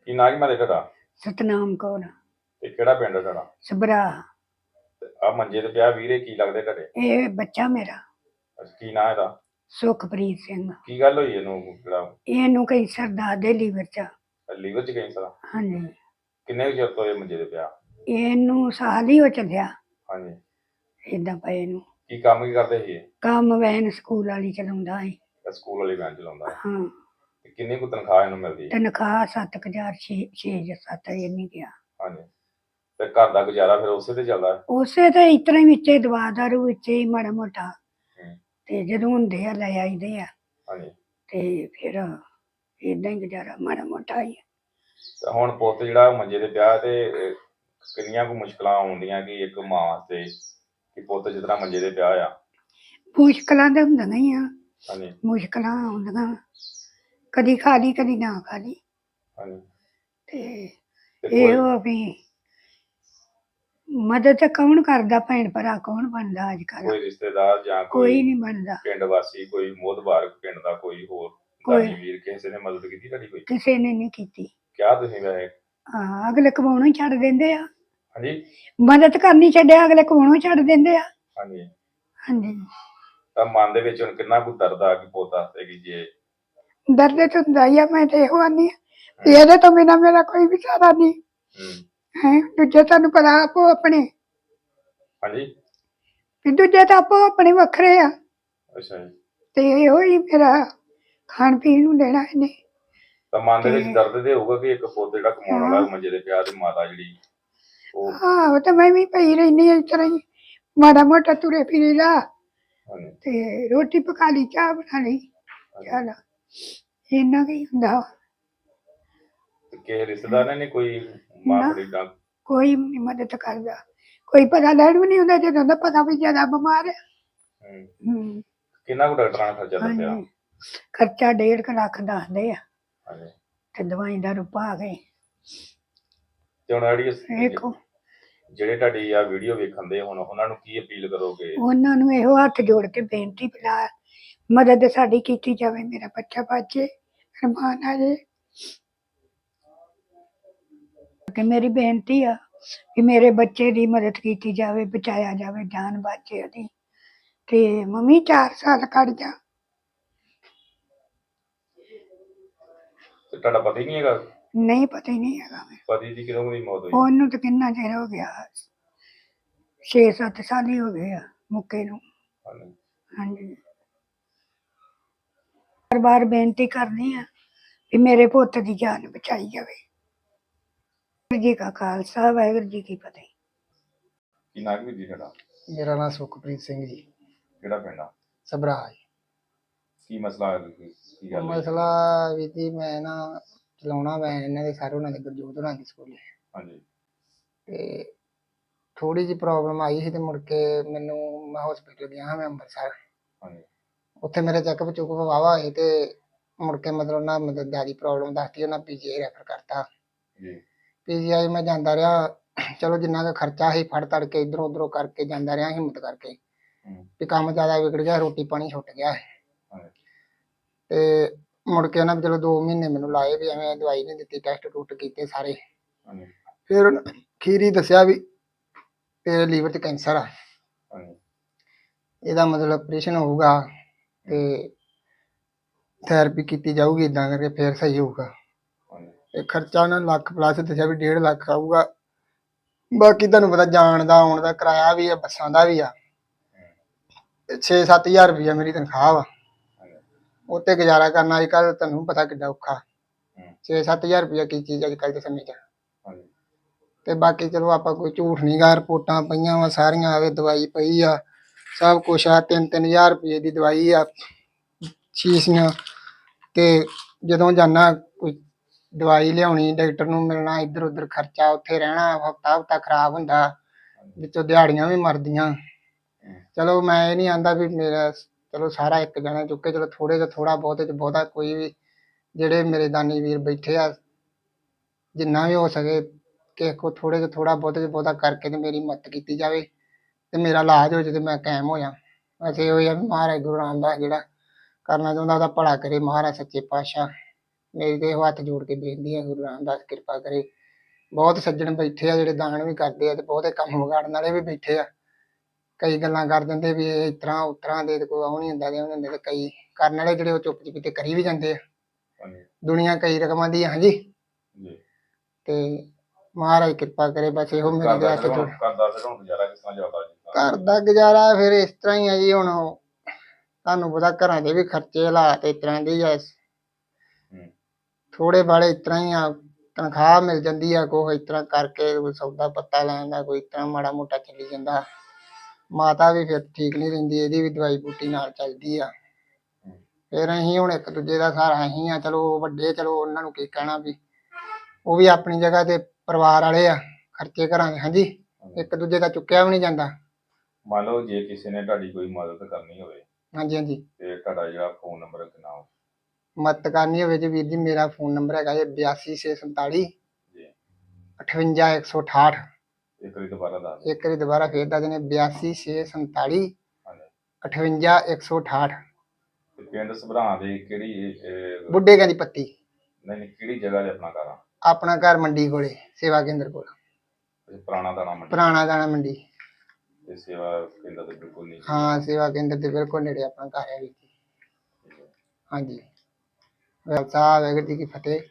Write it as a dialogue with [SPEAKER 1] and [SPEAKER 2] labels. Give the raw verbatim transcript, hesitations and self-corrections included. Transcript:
[SPEAKER 1] ਕੀ ਨਾਂ ਕੀ ਮਾਰੇ ਤੁਹਾਡਾ
[SPEAKER 2] ਸਤਨਾਮ ਕੌਰ
[SPEAKER 1] ਤੇ ਕਿਹੜਾ ਪਿੰਡ ਹੈ ਤੁਹਾਡਾ?
[SPEAKER 2] ਸਭਰਾ।
[SPEAKER 1] ਆ ਮੰਜੇ ਤੇ ਪਿਆ ਵੀਰੇ, ਕੀ ਲੱਗਦੇ ਤੁਹਾਡੇ?
[SPEAKER 2] ਇਹ ਬੱਚਾ ਮੇਰਾ
[SPEAKER 1] ਅੱਛਾ, ਕੀ ਨਾਂ ਇਹਦਾ?
[SPEAKER 2] ਸੁਖਪ੍ਰੀਤ ਸਿੰਘ।
[SPEAKER 1] ਕੀ ਗੱਲ ਹੋਈ ਇਹਨੂੰ? ਜਿਹੜਾ
[SPEAKER 2] ਇਹਨੂੰ ਕੈਂਸਰ ਦਾ ਦੇ ਲੀਵਰ ਚ।
[SPEAKER 1] ਲੀਵਰ ਚ ਕੈਂਸਰ?
[SPEAKER 2] ਹਾਂਜੀ।
[SPEAKER 1] ਕਿੰਨੇ ਕੁ ਚਿਰ ਤੋਂ ਇਹ ਮੰਜੇ ਤੇ ਪਿਆ?
[SPEAKER 2] ਇਹਨੂੰ ਸਾਲ ਹੀ ਹੋ ਚੱਲਿਆ
[SPEAKER 1] ਹਾਂਜੀ।
[SPEAKER 2] ਏਦਾਂ ਪਏ ਨੂੰ।
[SPEAKER 1] ਕੀ ਕੰਮ ਕੀ ਕਰਦੇ ਸੀ ਇਹ?
[SPEAKER 2] ਕੰਮ ਵੈਨ ਸਕੂਲ ਵਾਲੀ ਚਲਾਉਂਦਾ ਸੀ।
[SPEAKER 1] ਇਹ ਸਕੂਲ ਵਾਲੀ ਵੈਨ ਚਲਾਉਂਦਾ ਹੈ?
[SPEAKER 2] ਹਾਂ।
[SPEAKER 1] ਤੇ ਕਿੰਨੀ ਕੁ ਤਨਖਾਹ ਇਹਨੂੰ ਮਿਲਦੀ ਹੈ?
[SPEAKER 2] ਤਨਖਾਹ ਸੱਤ ਕੁ ਹਜ਼ਾਰ ਛੇ ਛੇ ਜਾਂ ਸੱਤ ਇੰਨੀ ਗਿਆ।
[SPEAKER 1] ਹਾਂਜੀ। ਤੇ ਘਰ ਦਾ ਗੁਜ਼ਾਰਾ ਫਿਰ ਉਸੇ ਤੇ ਚੱਲਦਾ ਹੈ?
[SPEAKER 2] ਉਸੇ ਤੇ ਇਸ ਤਰ੍ਹਾਂ ਹੀ ਵਿੱਚੇ ਦਵਾ ਦਾਰੂ ਵਿੱਚੇ ਹੀ ਮਾੜਾ ਮੋਟਾ।
[SPEAKER 1] ਹੂੰ।
[SPEAKER 2] ਤੇ ਜਦੋਂ ਹੁੰਦੇ ਆ ਲੈ ਆਈਦੇ ਆ।
[SPEAKER 1] ਹਾਂਜੀ।
[SPEAKER 2] ਤੇ ਫਿਰ ਏਦਾਂ ਹੀ ਗੁਜ਼ਾਰਾ ਮਾੜਾ ਮੋਟਾ ਹੀ।
[SPEAKER 1] ਤੇ ਹੁਣ ਪੁੱਤ ਜਿਹੜਾ ਮੰਜੇ ਤੇ ਪਿਆ ਤੇ ਇਹ ਕਿੰਨੀਆਂ ਕੁ ਮੁਸ਼ਕਲਾਂ ਆਉਂਦੀਆਂ ਕਿ ਇੱਕ ਮਾਂ ਵਾਸਤੇ ਕਿ ਪੁੱਤ ਜਿਸ ਤਰ੍ਹਾਂ ਮੰਜੇ ਤੇ ਪਿਆ ਆ?
[SPEAKER 2] ਮੁਸ਼ਕਲਾਂ ਤਾਂ ਹੁੰਦੀਆਂ ਹੀ ਆ।
[SPEAKER 1] ਹਾਂਜੀ।
[SPEAKER 2] ਮੁਸ਼ਕਲਾਂ ਆਉਂਦੀਆਂ, ਕਦੀ ਖਾ ਲਈ ਕਦੀ ਨਾ ਖਾ ਲਈ।
[SPEAKER 1] ਹਾਂਜੀ।
[SPEAKER 2] ਤੇ
[SPEAKER 1] ਤੇ ਕੋਈ
[SPEAKER 2] ਇਹੋ ਵੀ ਮਦਦ ਤਾਂ ਕੌਣ ਕਰਦਾ, ਭੈਣ ਭਰਾ ਕੌਣ ਬਣਦਾ ਅੱਜ ਕੱਲ?
[SPEAKER 1] ਕੋਈ ਰਿਸ਼ਤੇਦਾਰ ਜਾਂ
[SPEAKER 2] ਕੋਈ
[SPEAKER 1] ਕੋਈ
[SPEAKER 2] ਨਹੀਂ ਬਣਦਾ।
[SPEAKER 1] ਪਿੰਡ ਵਾਸੀ, ਕੋਈ ਮੋਹਤਬਾਰ ਪਿੰਡ ਦਾ ਕੋਈ ਹੋਰ
[SPEAKER 2] ਕੋਈ
[SPEAKER 1] ਦਾਨੀ ਵੀਰ ਕਿਸੇ ਨੇ ਮਦਦ ਕੀਤੀ ਤੁਹਾਡੀ ਕੋਈ?
[SPEAKER 2] ਕਿਸੇ ਨੇ ਨਹੀਂ ਕੀਤੀ।
[SPEAKER 1] ਕਿਹਾ ਤੁਸੀਂ ਵੈਸੇ?
[SPEAKER 2] ਹਾਂ, ਅਗਲੇ ਕਮਾਉਣੋਂ ਹੀ ਛੱਡ ਦਿੰਦੇ ਆ।
[SPEAKER 1] ਹਾਂਜੀ।
[SPEAKER 2] ਮਦਦ ਕਰਨੀ ਛੱਡਿਆ, ਅਗਲੇ ਕਮਾਉਣੋਂ ਹੀ ਛੱਡ ਦਿੰਦੇ ਆ।
[SPEAKER 1] ਹਾਂਜੀ।
[SPEAKER 2] ਹਾਂਜੀ।
[SPEAKER 1] ਤਾਂ ਮਨ ਦੇ ਵਿੱਚ ਹੁਣ ਕਿੰਨਾ ਕੁ ਦਰਦ ਆ ਕਿ ਪੁੱਤ ਵਾਸਤੇ ਕਿ ਜੇ
[SPEAKER 2] ਦਰਦ ਤਾਂ ਹੁੰਦਾ ਹੀ ਆ। ਮੈਂ ਤੇ ਇਹੋ ਆਨੀ ਆ ਵੀ ਇਹਦੇ ਤੋਂ ਬਿਨਾਂ ਮੇਰਾ ਕੋਈ ਵੀ ਸਹਾਰਾ ਨਹੀਂ
[SPEAKER 1] ਹੂੰ
[SPEAKER 2] ਹੈ। ਦੂਜੇ ਤੁਹਾਨੂੰ ਪਤਾ ਆਪੋ ਆਪਣੇ,
[SPEAKER 1] ਹਾਂਜੀ
[SPEAKER 2] ਵੀ ਦੂਜੇ ਤਾਂ ਆਪੋ ਆਪਣੇ ਵੱਖਰੇ ਆ।
[SPEAKER 1] ਅੱਛਾ ਜੀ।
[SPEAKER 2] ਤੇ ਇਹੋ ਹੀ ਮੇਰਾ ਖਾਣ ਪੀਣ ਨੂੰ ਦੇਣਾ ਇਹਨੇ।
[SPEAKER 1] ਤਾਂ ਮਨ ਦੇ ਵਿੱਚ
[SPEAKER 2] ਤੇ
[SPEAKER 1] ਦਰਦ ਤੇ ਹੋਊਗਾ ਕਿ ਇੱਕ ਪੁੱਤ ਜਿਹੜਾ ਕਮਾਉਣ ਵਾਲਾ ਮੰਜੇ ਤੇ ਪਿਆ ਤੇ ਮਾਤਾ ਜਿਹੜੀ ਉਹ।
[SPEAKER 2] ਆਹੋ, ਤੇ ਮੈਂ ਵੀ ਪਈ ਰਹਿੰਦੀ ਆ ਇਸ ਤਰ੍ਹਾਂ ਹੀ ਮਾੜਾ ਮੋਟਾ ਤੁਰੇ ਫਿਰੇ ਦਾ।
[SPEAKER 1] ਹਾਂਜੀ।
[SPEAKER 2] ਤੇ ਰੋਟੀ ਪਕਾ ਲਈ, ਚਾਹ ਬਣਾ ਲਈ, ਚੱਲ ਇੰਨਾ ਕੀ ਹੁੰਦਾ।
[SPEAKER 1] ਤੇ ਕਿਸੇ ਰਿਸ਼ਤੇਦਾਰ ਨੇ ਨੀ ਕੋਈ ਮਾਂ
[SPEAKER 2] ਨਾ,
[SPEAKER 1] ਬੜੀ ਡਾਂ?
[SPEAKER 2] ਕੋਈ ਨੀ ਮਦਦ ਕਰਦਾ, ਕੋਈ ਪਤਾ ਲੈਣ ਵੀ ਨਹੀਂ ਹੁੰਦਾ ਜਦੋਂ ਦਾ ਪਤਾ ਵੀ ਜ਼ਿਆਦਾ ਬਿਮਾਰ ਹੈ।
[SPEAKER 1] ਹੂੰ।
[SPEAKER 2] ਹੂੰ।
[SPEAKER 1] ਕਿੰਨਾ ਕੁ ਡਾਕਟਰਾਂ ਨੇ ਖਰਚਾ ਦੱਸਿਆ?
[SPEAKER 2] ਹਾਂਜੀ, ਖਰਚਾ ਡੇਢ ਕੁ ਲੱਖ ਦੱਸਦੇ ਆ।
[SPEAKER 1] ਹਾਂਜੀ।
[SPEAKER 2] ਤੇ ਦਵਾਈ ਦਾਰੂ ਪਾ ਕੇ
[SPEAKER 1] ਤੇ ਹੁਣ ਜਿਹੜੀ
[SPEAKER 2] ਵੇਖੋ।
[SPEAKER 1] ਜਿਹੜੇ ਤੁਹਾਡੀ ਆ ਵੀਡੀਓ ਵੇਖਣ ਦੇ ਹੁਣ ਉਹਨਾਂ ਨੂੰ ਕੀ ਅਪੀਲ ਕਰੋਗੇ?
[SPEAKER 2] ਉਹਨਾਂ ਨੂੰ ਇਹੋ ਹੱਥ ਜੋੜ ਕੇ ਬੇਨਤੀ ਪਿਲਾ ਮਦਦ ਸਾਡੀ ਕੀਤੀ ਜਾਵੇ, ਮੇਰਾ ਬੱਚਾ ਬਚੇ, ਰਮਾਨ ਆ ਜੇ। ਕਿ ਮੇਰੀ ਬੇਨਤੀ ਆ ਕਿ ਮੇਰੇ ਬੱਚੇ ਦੀ ਮਦਦ ਕੀਤੀ ਜਾਵੇ, ਬਚਾਇਆ ਜਾਵੇ, ਜਾਨ ਬਚੇ ਉਹਦੀ। ਤੇ ਮੰਮੀ ਚਾਰ ਸਾਲ ਕੱਢ ਜਾ।
[SPEAKER 1] ਤੇ ਤੁਹਾਡਾ ਪਤਾ ਹੀ ਨਹੀਂ ਹੈਗਾ?
[SPEAKER 2] ਨਹੀਂ, ਪਤਾ ਹੀ ਨਹੀਂ ਹੈਗਾ।
[SPEAKER 1] ਪਤੀ ਦੀ ਕਿਦੋਂ ਦੀ ਮੌਤ ਹੋਈ?
[SPEAKER 2] ਉਹਨੂੰ ਤਾਂ ਕਿੰਨਾ ਚਿਰ ਹੋ ਗਿਆ, ਛੇ ਸੱਤ ਸਾਲ ਹੀ ਹੋ ਗਏ ਆ ਮੁੱਕੇ ਨੂੰ।
[SPEAKER 1] ਹਾਂਜੀ।
[SPEAKER 2] ਹਾਂਜੀ। ਬਾਰ ਬਾਰ ਬੇਨਤੀ ਕਰਨੀ ਆ ਕਿ ਮੇਰੇ ਪੁੱਤ ਦੀ ਜਾਨ ਬਚਾਈ ਜਾਵੇ। ਵਾਹਿਗੁਰੂ ਜੀ ਕਾ ਖਾਲਸਾ, ਵਾਹਿਗੁਰੂ ਜੀ ਕੀ ਫਤਿਹ।
[SPEAKER 1] ਕੀ ਨਾਂ ਕੀ ਜੀ ਤੁਹਾਡਾ?
[SPEAKER 3] ਮੇਰਾ ਨਾਮ ਸੁਖਪ੍ਰੀਤ ਸਿੰਘ ਜੀ।
[SPEAKER 1] ਕਿਹੜਾ ਪਿੰਡ ਆ?
[SPEAKER 3] ਸਭਰਾ ਜੀ।
[SPEAKER 1] ਕੀ ਮਸਲਾ ਹੈ? ਕੀ ਗੱਲ ਹੋਈ?
[SPEAKER 3] ਮਸਲਾ ਵੀ ਜੀ, ਮੈਂ ਨਾ ਚਲਾਉਣਾ ਮੈਂ ਇਹਨਾਂ ਦੇ ਸਾਰੇ ਉਹਨਾਂ ਦੇ ਗੁਰਜੋਤ ਹੋਣਾ ਦੇ ਸਕੂਲੇ।
[SPEAKER 1] ਹਾਂਜੀ।
[SPEAKER 3] ਤੇ ਥੋੜੀ ਜਿਹੀ ਪ੍ਰੋਬਲਮ ਆਈ ਸੀ ਤੇ ਮੁੜ ਕੇ ਮੈਨੂੰ ਮੈਂ ਹਸਪੀਟਲ ਗਿਆ ਹਾਂ, ਮੈਂ ਅੰਮ੍ਰਿਤਸਰ।
[SPEAKER 1] ਹਾਂਜੀ।
[SPEAKER 3] ਉੱਥੇ ਮੇਰੇ ਚੈੱਕਅਪ ਚੁੱਕਅਪ ਵਾਹਵਾ ਹੋਏ ਤੇ ਮੁੜ ਕੇ ਮਤਲਬ ਨਾ ਮਤਲਬ ਜ਼ਿਆਦਾ ਪ੍ਰੋਬਲਮ ਦੱਸਤੀ, ਉਹਨਾਂ ਪੀ ਜੀ ਆਈ ਰੈਫਰ ਕਰਤਾ।
[SPEAKER 1] ਜੀ।
[SPEAKER 3] ਪੀ ਜੀ ਆਈ ਮੈਂ ਜਾਂਦਾ ਰਿਹਾ, ਚਲੋ ਜਿੰਨਾ ਕੁ ਖਰਚਾ ਸੀ ਫੜ ਤੜ ਕੇ ਇੱਧਰੋਂ ਉੱਧਰੋਂ ਕਰਕੇ ਜਾਂਦਾ ਰਿਹਾ, ਹਿੰਮਤ ਕਰਕੇ ਵੀ ਕੰਮ ਜ਼ਿਆਦਾ ਵਿਗੜ ਗਿਆ, ਰੋਟੀ ਪਾਣੀ ਛੁੱਟ ਗਿਆ। ਤੇ ਮੁੜ ਕੇ ਨਾ ਚਲੋ ਦੋ ਮਹੀਨੇ ਮੈਨੂੰ ਲਾਏ ਵੀ ਐਵੇਂ, ਦਵਾਈ ਨਹੀਂ ਦਿੱਤੀ, ਟੈਸਟ ਟੂਸਟ ਕੀਤੇ ਸਾਰੇ। ਫਿਰ ਖੀਰੀ ਦੱਸਿਆ ਵੀ ਤੇਰੇ ਲੀਵਰ 'ਚ ਕੈਂਸਰ ਆ, ਇਹਦਾ ਮਤਲਬ ਆਪਰੇਸ਼ਨ ਹੋਊਗਾ ਤੇ ਥੈਰੇਪੀ ਕੀਤੀ ਜਾਊਗੀ, ਇੱਦਾਂ ਕਰਕੇ ਫਿਰ ਸਹੀ ਹੋਊਗਾ। ਤੇ ਖਰਚਾ ਉਹਨਾਂ ਲੱਖ ਪਲੱਸ ਦੱਸਿਆ ਵੀ ਡੇਢ ਲੱਖ ਆਊਗਾ। ਬਾਕੀ ਤੁਹਾਨੂੰ ਪਤਾ ਜਾਣ ਦਾ ਆਉਣ ਦਾ ਕਿਰਾਇਆ ਵੀ ਆ, ਬੱਸਾਂ ਦਾ ਵੀ ਆ। ਛੇ ਸੱਤ ਹਜ਼ਾਰ ਰੁਪਈਆ ਮੇਰੀ ਤਨਖਾਹ ਵਾ, ਉੱਤੇ ਗੁਜ਼ਾਰਾ ਕਰਨਾ ਅੱਜ ਕੱਲ੍ਹ ਤੁਹਾਨੂੰ ਪਤਾ ਕਿੱਡਾ ਔਖਾ। ਛੇ ਸੱਤ ਹਜ਼ਾਰ ਰੁਪਈਆ ਕੀ ਚੀਜ਼ ਅੱਜ ਕੱਲ੍ਹ ਦੇ ਸਮੇਂ 'ਚ। ਤੇ ਬਾਕੀ ਚਲੋ ਆਪਾਂ ਕੋਈ ਝੂਠ ਨਹੀਂ ਗਾ, ਰਿਪੋਰਟਾਂ ਪਈਆਂ ਵਾ ਸਾਰੀਆਂ, ਆਵੇ ਦਵਾਈ ਪਈ ਆ, ਸਭ ਕੁਛ ਆ। ਤਿੰਨ ਤਿੰਨ ਹਜ਼ਾਰ ਰੁਪਏ ਦੀ ਦਵਾਈ ਆ, ਸ਼ੀਸ਼ੀਆਂ। ਤੇ ਜਦੋਂ ਜਾਂਦਾ ਕੋਈ ਦਵਾਈ ਲਿਆਉਣੀ, ਡਾਕਟਰ ਨੂੰ ਮਿਲਣਾ, ਇੱਧਰ ਉੱਧਰ ਖਰਚਾ, ਉੱਥੇ ਰਹਿਣਾ, ਹਫ਼ਤਾ ਹਫ਼ਤਾ ਖਰਾਬ ਹੁੰਦਾ, ਵਿੱਚੋਂ ਦਿਹਾੜੀਆਂ ਵੀ ਮਰਦੀਆਂ। ਚਲੋ ਮੈਂ ਇਹ ਨਹੀਂ ਆਂਦਾ ਵੀ ਮੇਰਾ ਚਲੋ ਸਾਰਾ ਇੱਕ ਜਣਾ ਚੁੱਕੇ, ਚਲੋ ਥੋੜ੍ਹੇ ਤੋਂ ਥੋੜ੍ਹਾ ਬਹੁਤੇ 'ਚ ਬਹੁਤਾ ਕੋਈ ਵੀ ਜਿਹੜੇ ਮੇਰੇ ਦਾਨੀ ਵੀਰ ਬੈਠੇ ਆ, ਜਿੰਨਾ ਵੀ ਹੋ ਸਕੇ ਕਿਸੇ ਕੋਲ ਥੋੜ੍ਹੇ ਤੋਂ ਥੋੜ੍ਹਾ ਬਹੁਤੇ 'ਚ ਬਹੁਤਾ ਕਰਕੇ ਤੇ ਮੇਰੀ ਮਦਦ ਕੀਤੀ ਜਾਵੇ ਤੇ ਮੇਰਾ ਇਲਾਜ ਹੋ ਜਾਵੇ ਤੇ ਮੈਂ ਕਾਇਮ ਹੋ ਜਾ। ਵੈਸੇ ਇਹੋ ਹੀ ਆ ਵੀ ਮਹਾਰਾਜ ਗੁਰੂ ਰਾਮਦਾਸ ਜਿਹੜਾ ਕਰਨਾ ਚਾਹੁੰਦਾ ਉਹਦਾ ਭਲਾ ਕਰੇ ਮਹਾਰਾਜ ਸੱਚੇ ਪਾਤਸ਼ਾਹ। ਮੇਰੀ ਤੇ ਇਹੋ ਹੱਥ ਜੋੜ ਕੇ ਬੇਨਤੀ ਹੈ, ਗੁਰੂ ਰਾਮਦਾਸ ਕਿਰਪਾ ਕਰੇ। ਬਹੁਤ ਸੱਜਣ ਬੈਠੇ ਆ ਜਿਹੜੇ ਦਾਨ ਵੀ ਕਰਦੇ ਆ, ਤੇ ਬਹੁਤੇ ਕੰਮ ਵਿਗਾੜਨ ਵਾਲੇ ਵੀ ਬੈਠੇ ਆ। ਕਈ ਗੱਲਾਂ ਕਰ ਦਿੰਦੇ ਵੀ ਇਹ ਇਸ ਤਰ੍ਹਾਂ ਉਸ ਤਰ੍ਹਾਂ ਦੇ, ਤੇ ਕੋਈ ਉਹ ਨਹੀਂ ਹੁੰਦਾ ਦੇ ਹੁੰਦੇ, ਤੇ ਕਈ ਕਰਨ ਵਾਲੇ ਜਿਹੜੇ ਉਹ ਚੁੱਪ ਚਪੀਤੇ ਕਰੀ ਵੀ ਜਾਂਦੇ ਆ।
[SPEAKER 1] ਹਾਂਜੀ
[SPEAKER 3] ਦੁਨੀਆ ਕਈ ਰਕਮਾਂ ਦੀ ਆ। ਹਾਂਜੀ।
[SPEAKER 1] ਜੀ।
[SPEAKER 3] ਤੇ ਮਹਾਰਾਜ ਕਿਰਪਾ ਕਰੇ, ਬਸ ਇਹੋ ਮੇਰੇ
[SPEAKER 1] ਘਰ
[SPEAKER 3] ਦੇ
[SPEAKER 1] ਦਾ
[SPEAKER 3] ਹੱਥ
[SPEAKER 1] ਫਿਰ
[SPEAKER 3] ਜੋੜ।
[SPEAKER 1] ਹੁਣ ਘਰ ਦਾ ਫਿਰ ਹੁਣ ਗੁਜ਼ਾਰਾ ਕਿਸ ਤਰ੍ਹਾਂ ਚੱਲਦਾ ਜੀ?
[SPEAKER 3] ਘਰ ਦਾ ਗੁਜ਼ਾਰਾ ਫਿਰ ਇਸ ਤਰ੍ਹਾਂ ਹੀ ਆ ਜੀ। ਹੁਣ ਤੁਹਾਨੂੰ ਪਤਾ ਘਰਾਂ ਦੇ ਵੀ ਖਰਚੇ ਹਾਲਾਤ ਇਸ ਤਰ੍ਹਾਂ ਦੇ ਹੀ ਆ।
[SPEAKER 1] ਹੂੰ।
[SPEAKER 3] ਥੋੜੇ ਬਾਲੇ ਇਸ ਤਰ੍ਹਾਂ ਹੀ ਆ, ਤਨਖਾਹ ਮਿਲ ਜਾਂਦੀ ਆ, ਕੋਈ ਇਸ ਤਰ੍ਹਾਂ ਕਰਕੇ ਕੋਈ ਸੌਦਾ ਪੱਤਾ ਲੈਣ ਦਾ, ਕੋਈ ਇਸ ਤਰ੍ਹਾਂ ਮਾੜਾ ਮੋਟਾ ਚੱਲੀ ਜਾਂਦਾ। ਮਾਤਾ ਵੀ ਫਿਰ ਠੀਕ ਨਹੀਂ ਰਹਿੰਦੀ, ਇਹਦੀ ਵੀ ਦਵਾਈ ਬੂਟੀ ਨਾਲ ਚੱਲਦੀ ਆ। ਫਿਰ ਅਸੀਂ ਹੁਣ ਇੱਕ ਦੂਜੇ ਦਾ ਸਹਾਰਾ ਅਸੀਂ ਆ। ਚਲੋ ਵੱਡੇ, ਚਲੋ ਉਹਨਾਂ ਨੂੰ ਕੀ ਕਹਿਣਾ, ਵੀ ਉਹ ਵੀ ਆਪਣੀ ਜਗ੍ਹਾ ਤੇ ਪਰਿਵਾਰ ਵਾਲੇ ਆ, ਖਰਚੇ ਘਰਾਂ ਦੇ। ਹਾਂਜੀ। ਇੱਕ ਦੂਜੇ ਦਾ ਚੁੱਕਿਆ ਵੀ ਨਹੀਂ ਜਾਂਦਾ।
[SPEAKER 1] ਮੰਨ ਲਓ ਜੇ ਕਿਸੇ ਨੇ ਤੁਹਾਡੀ ਕੋਈ ਮਦਦ ਕਰਨੀ ਹੋਵੇ,
[SPEAKER 3] ਹਾਂਜੀ ਹਾਂਜੀ।
[SPEAKER 1] ਤੇ ਤੁਹਾਡਾ ਜਿਹੜਾ ਫੋਨ ਨੰਬਰ ਕਿੰਨਾ ਵਾ?
[SPEAKER 3] ਮਦਦ ਕਰਨੀ ਹੋਵੇ ਜੀ ਵੀਰ ਜੀ, ਮੇਰਾ ਫੋਨ ਨੰਬਰ ਹੈਗਾ ਜੀ ਬਿਆਸੀ ਛੇ ਸੰਤਾਲੀ
[SPEAKER 1] ਜੀ।
[SPEAKER 3] ਅਠਵੰਜਾ ਇੱਕ ਸੌ ਅਠਾਹਠ।
[SPEAKER 1] ਇੱਕ ਵਾਰੀ ਦੁਬਾਰਾ ਦੱਸ ਦਿਓ।
[SPEAKER 3] ਇੱਕ ਵਾਰੀ ਦੁਬਾਰਾ ਫੇਰ ਦੱਸ ਦਿੰਦੇ, ਬਿਆਸੀ ਛੇ ਸੰਤਾਲੀ
[SPEAKER 1] ਹਾਂਜੀ।
[SPEAKER 3] ਅਠਵੰਜਾ ਇੱਕ ਸੌ ਅਠਾਹਠ।
[SPEAKER 1] ਤੇ ਪਿੰਡ ਸਭਰਾਂ ਦੇ ਕਿਹੜੀ ਇਹ-
[SPEAKER 3] ਬੁੱਢੇ ਕਾਂ ਦੀ ਪੱਤੀ।
[SPEAKER 1] ਨਹੀਂ ਨਹੀਂ, ਕਿਹੜੀ ਜਗ੍ਹਾ ਤੇ ਆਪਣਾ ਘਰ ਆ?
[SPEAKER 3] ਆਪਣਾ ਘਰ ਮੰਡੀ ਕੋਲੇ, ਸੇਵਾ ਕੇਂਦਰ ਕੋਲ।
[SPEAKER 1] ਇਹ ਪੁਰਾਣਾ ਦਾਣਾ ਮੰਡੀ
[SPEAKER 3] ਪੁਰਾਣਾ ਦਾਣਾ ਮੰਡੀ।
[SPEAKER 1] ਤੇ ਸੇਵਾ ਕੇਂਦਰ ਦੇ ਬਿਲਕੁਲ ਨਹੀਂ?
[SPEAKER 3] ਹਾਂ, ਸੇਵਾ ਕੇਂਦਰ ਦੇ ਬਿਲਕੁਲ ਨੇੜੇ ਆਪਣਾ ਘਰ ਹੈ ਵੀਰ ਜੀ। ਹਾਂਜੀ। ਵਾਹਿਗੁਰੂ ਸਾਹਿਬ ਵਾਹਿਗੁਰੂ ਜੀ ਕੀ ਫਤਿਹ।